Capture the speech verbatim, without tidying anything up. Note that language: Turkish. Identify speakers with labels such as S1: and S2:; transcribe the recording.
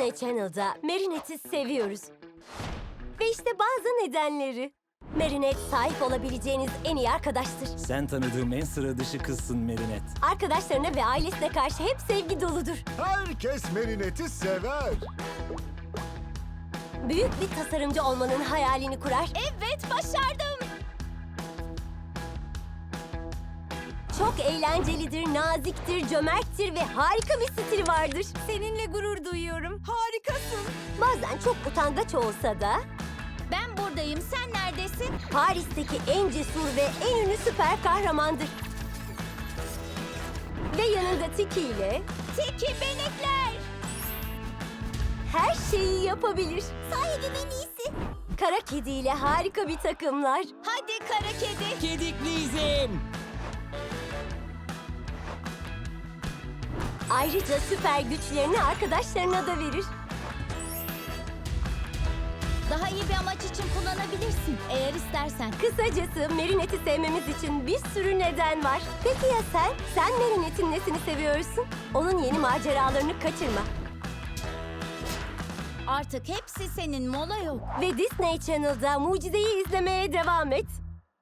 S1: Disney Channel'da Marinette'i seviyoruz. Ve işte bazı nedenleri. Marinette sahip olabileceğiniz en iyi arkadaştır.
S2: Sen tanıdığım en sıra dışı kızsın Marinette.
S1: Arkadaşlarına ve ailesine karşı hep sevgi doludur.
S3: Herkes Marinette'i sever.
S1: Büyük bir tasarımcı olmanın hayalini kurar. Evet, başardım. Çok eğlencelidir, naziktir, cömerttir ve harika bir stili vardır. Seninle gurur duyuyorum. Harikasın. Bazen çok utangaç olsa da
S4: Ben buradayım, sen neredesin?
S1: Paris'teki en cesur ve en ünlü süper kahramandır. Ve yanında Tiki ile
S4: Tiki benekler!
S1: her şeyi yapabilir. Sahibim en iyisi. Kara Kedi ile harika bir takımlar.
S4: Hadi kara kedi.
S2: Kedikliyizim.
S1: Ayrıca süper güçlerini arkadaşlarına da verir.
S4: Daha iyi bir amaç için kullanabilirsin eğer istersen.
S1: Kısacası Marinette'i sevmemiz için bir sürü neden var. Peki ya sen? Sen Marinette'in nesini seviyorsun? Onun yeni maceralarını kaçırma.
S4: Artık hepsi senin, mola yok.
S1: Ve Disney Channel'da Mucize'yi izlemeye devam et.